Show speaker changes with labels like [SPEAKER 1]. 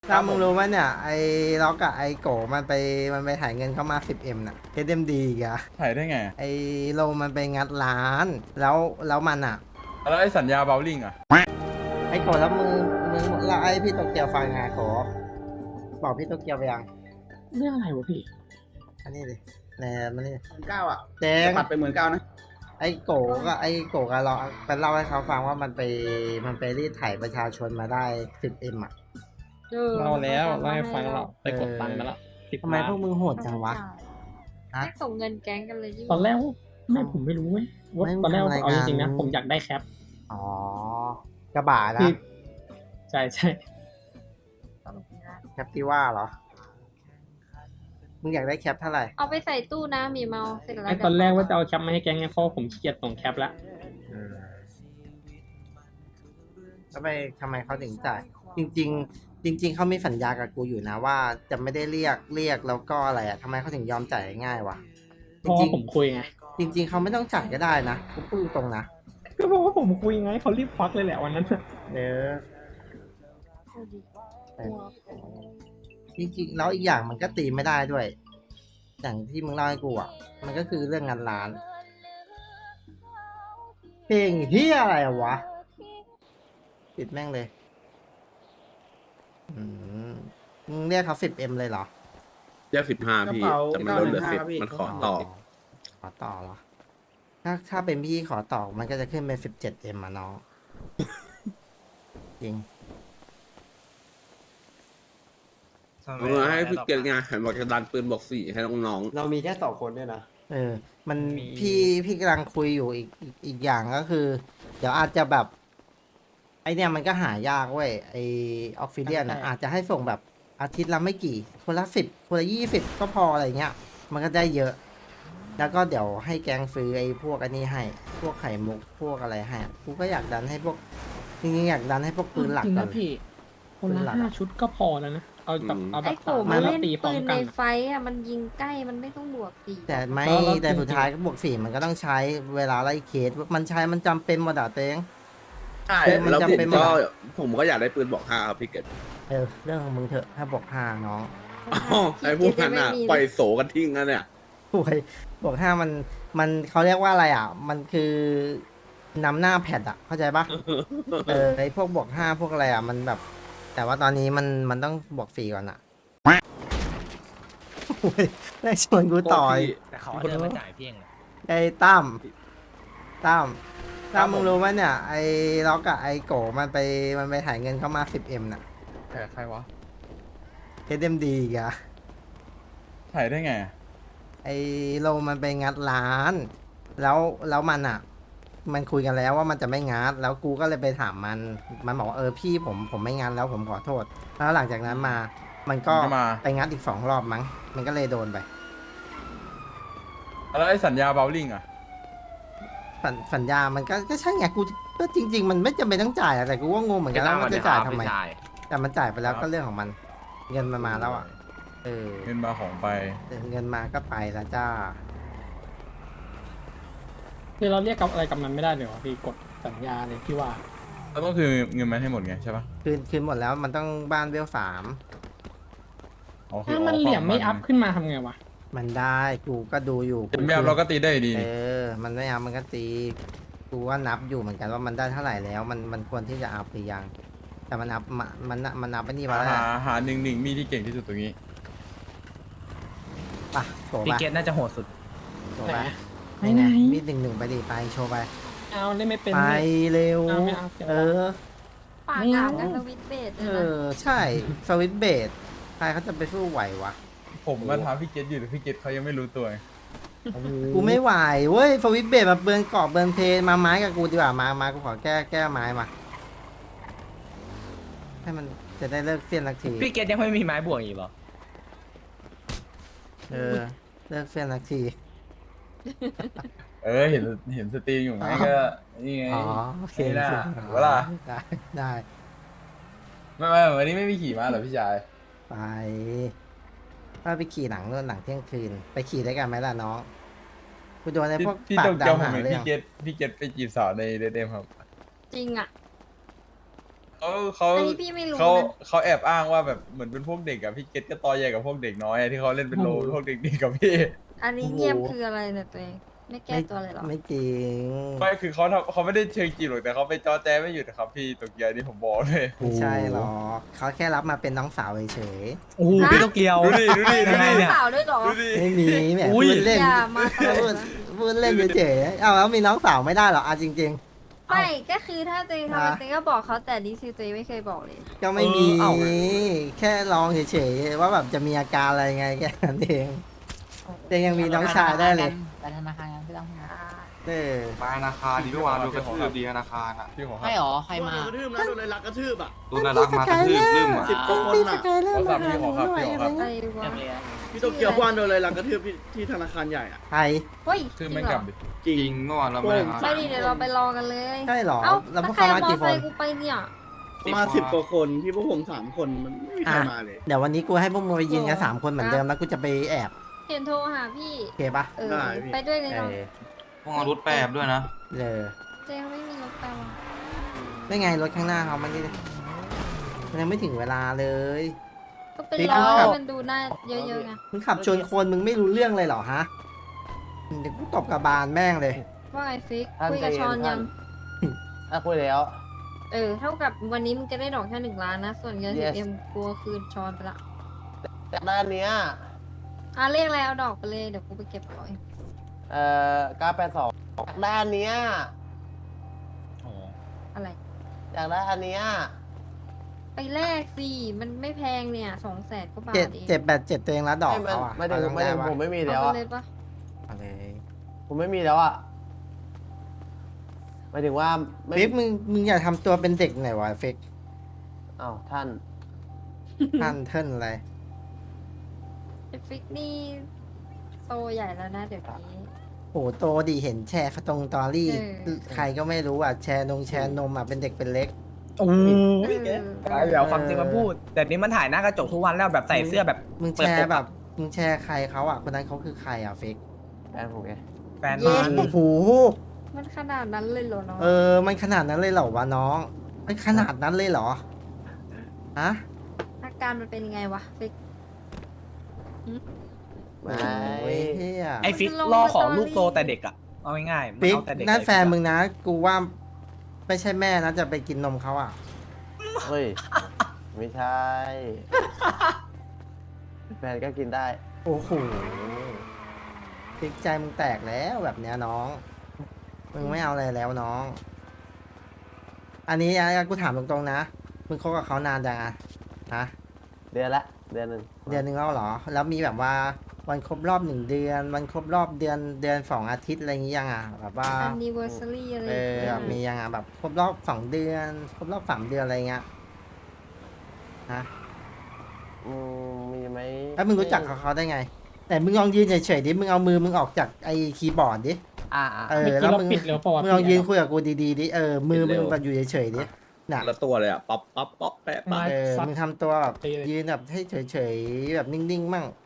[SPEAKER 1] ถ้ามึงรู้ไหมเนี่ยไอ้ล็อกกับไอ้โกมันไปถ่ายเงินเข้ามา 10M น่ะ SMD อีกอะ
[SPEAKER 2] ถ่ายได้ไง
[SPEAKER 1] ไอ้โลมันไปงัดร้านแล้วมันอะ
[SPEAKER 2] แล้วไอ้สัญญาเบลลิงอ่ะ
[SPEAKER 1] ไอ้โกแล้วมึงแล้วไอ้พี่โตเกียวฟังไงโกบอกพี่โตเกียวไปยัง
[SPEAKER 3] เรื่องอะไรวะพี่
[SPEAKER 1] อันนี้ดิแหนมันนี่
[SPEAKER 4] 19,000อ่ะ
[SPEAKER 1] แจ้ง
[SPEAKER 4] ปัดไป19,000นะ
[SPEAKER 1] ไอ้โกก็เราไปเล่าให้เขาฟังว่ามันไปรีดไถประชาชนมาได้ 10M อ่ะ
[SPEAKER 3] เล่าแล้วเล่าให้ฟังแล้วไปกดตังค์มาแล้ว10
[SPEAKER 1] ทำไม
[SPEAKER 3] ล้าน
[SPEAKER 1] พวกมึงโหดจังวะ ฮะ
[SPEAKER 5] ไม่ส่งเงินแก๊งกันเลยที่
[SPEAKER 3] ตอนแรกผมไม่รู้เว้ยว่า
[SPEAKER 1] ไม่
[SPEAKER 3] ตอนแรก
[SPEAKER 1] ทำอะไร
[SPEAKER 3] เอาจริงๆ
[SPEAKER 1] กั
[SPEAKER 3] นะ
[SPEAKER 1] น
[SPEAKER 3] ผมอยากได้แคป
[SPEAKER 1] อ๋อกระบะนะ
[SPEAKER 3] คือใช่
[SPEAKER 1] แคปที่ว่าเหรอ มึงอยากได้แคปเท่าไหร่
[SPEAKER 5] เอาไปใส่ตู้นะหมีเมาเสร็จแล้ว
[SPEAKER 3] ไอ้ตอนแรกว่าจะเอาแคปมาให้แกงไงเพราะผมขี้เกียจส่งแคปละ
[SPEAKER 1] แล้วไปทำไมเขาถึงจ่ายจริงๆ จริง ๆเขามีสัญญากับกูอยู่นะว่าจะไม่ได้เรียกแล้วก็อะไรอ่ะทำไมเขาถึงยอมจ่ายง่ายวะ
[SPEAKER 3] เพราะว่าผมคุยไง
[SPEAKER 1] จริง ๆเขาไม่ต้องจ่ายก็ได้นะกูพูดตรงนะ
[SPEAKER 3] ก็เพราะว่าผมคุยไงเขารีบควักเลยแหละวันนั้นน่ะ
[SPEAKER 1] เด้อ
[SPEAKER 5] เอาดิ
[SPEAKER 1] จริงๆแล้วอีกอย่างมันก็ตีไม่ได้ด้วย อย่างที่มึงเล่าให้กูอ่ะ มันก็คือเรื่องงานร้าน เพลงเฮียอะไรอะวะ ปิดแม่งเลย อืมมึงเรียกเขา10M เลยเหรอ
[SPEAKER 6] เรียก15พี่แต่มันลดเหลือ10มันขอต่อ
[SPEAKER 1] ขอต่อเหรอ ถ้าเป็นพี่ขอต่อมันก็จะขึ้นเป็น17M อ่ะน้อง จริง
[SPEAKER 6] เอามาให้พี่เกียรติไงเห็นบอกจะดันปืนบอก4ให้น้อง
[SPEAKER 7] เรามีแค่2 คนด้วยนะ
[SPEAKER 1] เออ มันพี่กำลังคุยอยู่อีกอย่างก็คือ เดี๋ยวอาจจะแบบ ไอเนี่ยมันก็หายากเว้ยไอออกซิเดียนอ่ะอาจจะให้ส่งแบบอาทิตย์ละไม่กี่ คนละ10 คนละ20ก็พออะไรเงี้ย มันก็ได้เยอะ แล้วก็เดี๋ยวให้แกงซื้อไอ้พวกอันนี้ให้ พวกไข่มุกพวกอะไรให้กูก็อยากดันให้พวกจริงๆอยากดันให้พวกปืนหลัก
[SPEAKER 3] จริง
[SPEAKER 1] ก่อ
[SPEAKER 3] นะ
[SPEAKER 1] น
[SPEAKER 3] พี่คน
[SPEAKER 1] ปืนหลั
[SPEAKER 3] ละ
[SPEAKER 1] กอะ
[SPEAKER 3] 5 ชุดก็พอแล้วนะเอาแบบเอาแบ
[SPEAKER 5] ไอ้
[SPEAKER 3] บ
[SPEAKER 5] โก
[SPEAKER 3] มา
[SPEAKER 5] มัน
[SPEAKER 3] แล้ว
[SPEAKER 5] เล่น
[SPEAKER 3] ตีพร้
[SPEAKER 5] ปื
[SPEAKER 3] อม
[SPEAKER 5] น
[SPEAKER 3] กั
[SPEAKER 5] ใน
[SPEAKER 3] น
[SPEAKER 5] ไฟอ่ะมันยิงใกล้มันไม่ต้องบวกสี่
[SPEAKER 1] แต่ไม่
[SPEAKER 3] แล้ว
[SPEAKER 1] แต่
[SPEAKER 3] จริงๆ
[SPEAKER 1] สุดท้ายก็บวก4มันก็ต้องใช้เวลาไล่เคสมันใช้มันจำเป็นหมดอ่ะเต้ง
[SPEAKER 6] ๆใช่
[SPEAKER 1] มัน
[SPEAKER 6] แล้ว
[SPEAKER 1] จำ
[SPEAKER 6] ผม
[SPEAKER 1] เป็น
[SPEAKER 6] ก็
[SPEAKER 1] หมด
[SPEAKER 6] ผมก็อยากได้ปืนบอก5ครับพี่เกียรติ
[SPEAKER 1] เรื่องของมึงเถอะถ้าบวก5น้อง
[SPEAKER 6] อ๋อไอ้พวกนั้นอ่ะปล่อยโสกันทิ้งกันเนี่ย
[SPEAKER 1] โอ้ยบวก5มันเขาเรียกว่าอะไรอ่ะ มันคือนำหน้าแพดอ่ะ เข้าใจปะ ไอพวกบวก5พวกอะไรอ่ะ มันแบบ แต่ว่าตอนนี้มันต้องบวก4ก่อนอ่ะโอ้ยได้ชวนกูต่อย
[SPEAKER 7] แต่เขาเดินมาจ่ายเพียงเลย
[SPEAKER 1] ไอ้ตั้มมึงรู้ไหมเนี่ย ไอ้ล็อกกับไอ้โกมันไปถ่ายเงินเข้ามา 10M น่ะ
[SPEAKER 2] ถ่ายใครวะ
[SPEAKER 1] SMD อีกอะ
[SPEAKER 2] ถ่ายได้ไง
[SPEAKER 1] ไอ้โลมันไปงัดร้าน แล้วมันอ่ะ มันคุยกันแล้วว่ามันจะไม่งัดแล้วกูก็เลยไปถามมันบอกว่าพี่ผมไม่งัดแล้วผมขอโทษ แล้วหลังจากนั้นมา มันก็
[SPEAKER 2] มันก็มา
[SPEAKER 1] ไปงัดอีก2 รอบมั้ง มันก็เลยโดนไป
[SPEAKER 2] แล้วไอ้สัญญาเบลลิงอ่ะ
[SPEAKER 1] สัญญามันก็ใช่ไงกูก็จริง ๆ มันไม่จำเป็นต้องจ่ายอะแต่กูก็งงเหมือนกันว่ามันจะจ่ายทำไม แต่มันจ่ายไปแล้วก็เรื่องของมัน เงินมันมาแล้วอ่ะ
[SPEAKER 2] เงินมาของไป
[SPEAKER 1] เงินมาก็ไปแล้วจ้า
[SPEAKER 3] คือเราเรียกกับอะไรกับมันไม่ได้เลยเหรอพี่กดสัญญาเลยที่ว่า
[SPEAKER 2] ก็ต้องคือเงินมันให้หมดไงใช่ปะ
[SPEAKER 1] คืนหมดแล้วมันต้องบ้านเวล3
[SPEAKER 2] อ๋อคื
[SPEAKER 3] ถ้า
[SPEAKER 2] อ
[SPEAKER 3] มันเหลี่ยมไม่อัพขึ้นมาทำไงวะ
[SPEAKER 1] มันได้กูก็ดูอยู่
[SPEAKER 2] เป็นแบบเราก็ตีได้ดีนี่
[SPEAKER 1] มันไม่อัพมันก็ตีกูว่านับอยู่เหมือนกันว่ามันได้เท่าไหร่แล้ว มันควรที่จะอัพหรือยัง แต่มันอัพมันอัพไปนี่มาแล้ว
[SPEAKER 2] หาหนึ่งมีที่เก่งที่สุดตรงนี้
[SPEAKER 1] ป่ะโผล่
[SPEAKER 7] พี่
[SPEAKER 1] ไป
[SPEAKER 7] เกตน่าจะโหดสุด
[SPEAKER 1] โผล่ไป
[SPEAKER 3] ไหนไหน
[SPEAKER 1] มี1-1ไปดิไปโชว์ไป
[SPEAKER 3] เอาเล่นไม่เป็น
[SPEAKER 1] ไป
[SPEAKER 3] เลย
[SPEAKER 1] เร็ว
[SPEAKER 3] เอาไม่เอาเสีย
[SPEAKER 1] เออ
[SPEAKER 5] ปาก
[SPEAKER 3] ไม่
[SPEAKER 5] กา
[SPEAKER 3] เอา
[SPEAKER 5] กันสวิตช์เบส
[SPEAKER 1] เอ
[SPEAKER 5] เลยนะ
[SPEAKER 1] อ ใช่ สวิตช์เบสใครเขาจะไปสู้ไหววะ
[SPEAKER 2] ผมมาถามพี่เกตอยู่แต่พี่เกตเขายังไม่รู้ตัวไง
[SPEAKER 1] กูไม่ไหวเว้ยสวิตช์เบสมาเบิร์นเกาะเบิร์นเพลมาไม้กับกูดีกว่ามากูขอแก้ไม้มา ให้มันจะได้เลิกเสี้ยนสักที
[SPEAKER 7] พี่เกตยังไม่มีไม้บวกอีกเหรอ
[SPEAKER 1] เออ เลิกเสี้ยนสักที
[SPEAKER 2] เห็นสตรีมอยู่ไหมก็นี่ไง
[SPEAKER 1] อ๋อโอเค
[SPEAKER 2] นี่นะ
[SPEAKER 1] โอเค
[SPEAKER 2] เวลา
[SPEAKER 1] ได้
[SPEAKER 2] ไม่วันนี้ไม่มีขี่ม้าเหรอพี่ชาย
[SPEAKER 1] ไปถ้าไปขี่หนังนู่นหนังเที่ยงคืน ไปขี่ได้กันไหมล่ะน้องกูโดนไอ้พวก
[SPEAKER 2] พี่
[SPEAKER 1] ปา
[SPEAKER 2] โต
[SPEAKER 1] ก
[SPEAKER 2] เกียว
[SPEAKER 1] ดำ
[SPEAKER 2] ผม
[SPEAKER 1] หา
[SPEAKER 2] เห็น
[SPEAKER 1] เรื่อง
[SPEAKER 2] พี่เกตไปจีบสาวในเดทเอ็มครับ
[SPEAKER 5] จริงอ่ะ
[SPEAKER 2] เขา
[SPEAKER 5] อันนี้พี่ไม่รู้
[SPEAKER 2] เขา
[SPEAKER 5] นะ
[SPEAKER 2] เขาแอบอ้างว่าแบบเหมือนเป็นพวกเด็กอะพี่เกตก็ตอใหญ่กับพวกเด็กน้อยอะที่เขาเล่นเป็นโลพวกเด็กๆกับพี่
[SPEAKER 5] อันนี้เงียบคืออะไรเนี่ยตัวเองไม่แก้ตัวเลยเหรอ
[SPEAKER 1] ไม่จริง
[SPEAKER 2] ไม่คือเขาไม่ได้เชิงจีบหรอกแต่เขาไปจอแจไม่หยุดนะครับพี่โตเกียวนี่ผมบอกเลย
[SPEAKER 1] ไม่ใช่หรอกเขาแค่รับมาเป็นน้องสาวเฉย
[SPEAKER 7] โอ้โหพี่โตเกียว
[SPEAKER 2] ดูดิดูดิดู
[SPEAKER 7] ยังไง
[SPEAKER 2] ดิ
[SPEAKER 7] เนี่ย
[SPEAKER 5] สาวด้วยเหรอ
[SPEAKER 2] ดูดิ
[SPEAKER 1] ๆไม่มีแหม
[SPEAKER 7] อุ้
[SPEAKER 1] พู
[SPEAKER 7] ย
[SPEAKER 1] ดเล่น
[SPEAKER 5] อย่ามาตล
[SPEAKER 1] พู
[SPEAKER 5] ก
[SPEAKER 1] ด
[SPEAKER 5] นะ
[SPEAKER 1] พูดเล่นเฉยๆเอาแล้วมีน้องสาวไม่ได้เหรอจริง
[SPEAKER 5] ไม่ก็คือถ้าตัวเองทำ
[SPEAKER 1] ฮะ
[SPEAKER 5] ตัวเองก็บอกเขาแต่นี่คือตัวเองไม่เคยบอกเลย
[SPEAKER 1] ๆ ก็ไม่มี
[SPEAKER 7] เอ้า
[SPEAKER 1] แค่ลองเฉยๆว่าแบบจะมีอาการอะไรไงแค่นั้นเองแต่ยังมีน้องชายได้เลย
[SPEAKER 4] ไปธนาคารกันพี่ต้อง
[SPEAKER 1] เออ
[SPEAKER 8] มาธนาคารดีเมื่อวานโดนกระทืบดีธนาคารอ่ะ
[SPEAKER 2] พี่ขอค
[SPEAKER 4] ใช่
[SPEAKER 2] รับ
[SPEAKER 4] หรอ ใครมา
[SPEAKER 6] โดนกระทืบนะโดนเลยรักกระทืบอ่ะ
[SPEAKER 8] โดนน่ารักมากระทืบลืมอ่ะ
[SPEAKER 6] 10 กว่าคน
[SPEAKER 1] พี่ส
[SPEAKER 6] น่ะ
[SPEAKER 1] กายเริ่มมาหาหนู
[SPEAKER 2] ขอ
[SPEAKER 1] ห
[SPEAKER 2] ครับ
[SPEAKER 1] น่อย
[SPEAKER 2] พี่ขอ
[SPEAKER 1] อะ
[SPEAKER 2] ค
[SPEAKER 1] ไร
[SPEAKER 2] รับ
[SPEAKER 5] ไป
[SPEAKER 1] เงี้ย
[SPEAKER 5] วะ
[SPEAKER 6] พี่โตเกียววานโดนเลยรักกระทืบที่ธนาคารใหญ่อ่ะ
[SPEAKER 1] ใคร
[SPEAKER 5] เฮ้ย
[SPEAKER 2] คือ
[SPEAKER 5] จริ
[SPEAKER 2] ไม่
[SPEAKER 5] งเหร
[SPEAKER 2] กลั
[SPEAKER 5] อบ
[SPEAKER 2] ดิ
[SPEAKER 6] จริง
[SPEAKER 8] จริงเมื่อวานเราไม่ได้มา
[SPEAKER 5] ไม่ดีเดี๋ยวเราไปรอกันเลย
[SPEAKER 1] ใช่เหรอ
[SPEAKER 5] เอ้า
[SPEAKER 1] แล้วพวก
[SPEAKER 5] ใคร
[SPEAKER 1] เขา
[SPEAKER 5] เอา
[SPEAKER 1] มาม
[SPEAKER 5] อ
[SPEAKER 1] กี่
[SPEAKER 5] ไซ
[SPEAKER 1] คน
[SPEAKER 5] ค์กูไปเนี่ย
[SPEAKER 6] มา10 กว่าคนที่พวกผม3 คนมันไม่มีใครมาเลย
[SPEAKER 1] เดี๋ยววันนี้กูให้พวกมึงไปยืนกัน3 คนเหมือนเดิมแล้วกูจะไปแอบ
[SPEAKER 5] เห็นโทรหาพี่
[SPEAKER 1] โอเคปะ
[SPEAKER 5] เออ
[SPEAKER 6] ได้พี่
[SPEAKER 5] ไปด้วยเลย
[SPEAKER 1] เอ
[SPEAKER 5] เนาะ
[SPEAKER 1] อ
[SPEAKER 8] พวกเอารถแปรบด้วยนะ
[SPEAKER 1] เออ
[SPEAKER 5] เจ๊ไม่มีรถไปว่ะ
[SPEAKER 1] ไม่ไงรถข้างหน้าเขามันยังไม่ถึงเวลาเลย
[SPEAKER 5] ก็ไป
[SPEAKER 1] พี่
[SPEAKER 5] รอ
[SPEAKER 1] ครับ
[SPEAKER 5] ให้มันดูหน้าเยอะๆไง
[SPEAKER 1] มึงขับชนคนมึงไม่รู้เรื่องเลยเหรอฮะเดี๋ยวกูตบกระบาลแม่งเลย
[SPEAKER 5] ว่าไงฟิกคุยกับชอนยัง
[SPEAKER 7] คุยแล้ว
[SPEAKER 5] เท่ากับวันนี้มึงจะได้ดอกแค่1 ล้านนะ ส่วนเงิน
[SPEAKER 7] Yes
[SPEAKER 5] 10M กลัวคืนชอนไปละ
[SPEAKER 7] จากด้านเนี้ย
[SPEAKER 5] เรียกอะไรเอาดอกไปเลยเดี๋ยวกูไปเก็บของเอง
[SPEAKER 7] 982จากด้านเนี้ย
[SPEAKER 5] อะไร
[SPEAKER 7] จากด้านเนี้ย
[SPEAKER 5] ไปแลกสิมันไม่แพงเนี่ย200,000 กว่าบาท
[SPEAKER 1] เจ็ด
[SPEAKER 5] เอง
[SPEAKER 1] เจ็ดแปดเจ็ดตัวเองแล้วดอก
[SPEAKER 7] ไม่
[SPEAKER 1] เขาอ่ะ
[SPEAKER 7] ไม่ถึง
[SPEAKER 1] เอา
[SPEAKER 7] ไม่ถึง
[SPEAKER 1] ด้
[SPEAKER 7] ผมไม่มี
[SPEAKER 5] เอา
[SPEAKER 7] แล้ว
[SPEAKER 5] ไป
[SPEAKER 7] อะ
[SPEAKER 5] เลยปะ
[SPEAKER 1] เอาเลย
[SPEAKER 7] ผมไม่มีแล้วอะหมายถึงว่าไม่
[SPEAKER 1] ฟิกมึงอย่าทำตัวเป็นเด็กหน่อยวะฟิก
[SPEAKER 7] อ้าวท่าน
[SPEAKER 1] ท่านเทิร์นอะไร
[SPEAKER 5] ไอ้ฟิกนี่โตใหญ่แล้วนะเดี๋ยวนี้
[SPEAKER 1] โหโตดีเห็นแชร์ตรงตอรี่
[SPEAKER 5] เออ
[SPEAKER 1] ใครก็ไม่รู้อ่ะแชร์นมอ่ะเป็นเด็กเป็นเล็ก
[SPEAKER 7] โอ้
[SPEAKER 5] เออ
[SPEAKER 7] เดี๋ยวความจริงมาพูด แต่นี้มันถ่ายหน้ากระจกทุกวันแล้วแบบใส่เสื้อแบบ
[SPEAKER 1] มึงแชร์แบบมึงแชร์ใครเขาอ่ะคนนั้นเขาคือใครอ่ะฟิก
[SPEAKER 7] แฟนผมไงแฟน
[SPEAKER 5] เย้
[SPEAKER 7] มัน
[SPEAKER 1] โอ้โห
[SPEAKER 5] มันขนาดนั้นเลยเหรอเนาะ
[SPEAKER 1] มันขนาดนั้นเลยเหรอวะน้องมันขนาดนั้นเลยเหรอฮะ
[SPEAKER 5] อาการมันเป็นยังไงวะฟิก
[SPEAKER 7] ไม่
[SPEAKER 1] โอ้ยเฮีย
[SPEAKER 7] ไอฟิกล่อของลูกโตแต่เด็กอะเอาง่ายๆมัน
[SPEAKER 1] ฟิก
[SPEAKER 7] เอาแต่เด็ก
[SPEAKER 1] นั่นแฟนมึงนะ กูว่าไม่ใช่แม่นะจะไปกินนมเขาอ่ะ
[SPEAKER 7] เฮ้ย ไม่ใช่ แฟนก็กินได้
[SPEAKER 1] โอ้โหฟิกใจมึงแตกแล้วแบบเนี้ยน้อง มึงไม่เอาอะไรแล้วน้อง อันนี้กูถามตรงๆนะ มึงคบกับเขานานจังอะฮะ
[SPEAKER 7] เดือนละเดือนหนึ่ง
[SPEAKER 1] เดือนหนึ่งแล้วเหรอ แล้วมีแบบว่าวันครบรอบ1 เดือน วันครบรอบเดือน2 อาทิตย์อะไรอย่างงี้ยังอ่ะแบบว่า
[SPEAKER 5] anniversary อะไร
[SPEAKER 1] แบบมียังอ่ะแบบครบรอบ2 เดือน ครบรอบ3 เดือนอะไรเงี้ยฮะ
[SPEAKER 7] มีไหม
[SPEAKER 1] แล้วมึงรู้จักเขาได้ไง แต่มึงลองยืนเฉยๆดิ มึงเอามือมึงออกจากไอ้คีย์บอร์ดดิ
[SPEAKER 7] อ่า
[SPEAKER 1] เออ
[SPEAKER 3] เมื่อ
[SPEAKER 1] แล้
[SPEAKER 3] กี้
[SPEAKER 1] ว
[SPEAKER 3] เรา
[SPEAKER 1] มึง
[SPEAKER 3] ปิดแล้วปะวะ
[SPEAKER 1] มึงลองยืนคุยกับกูดีๆดิ มือมึงแบบอยู่เฉยๆดิ น่ะ
[SPEAKER 6] ละตัวเลยอ่ะป๊อปป๊อปป๊อปแปะป๊อป
[SPEAKER 3] ไม้ซัด
[SPEAKER 1] มึงทำตัวแบบ
[SPEAKER 3] ตีเลย
[SPEAKER 1] ยืนแบบให้เฉยๆแบบนิ่งๆมั่ง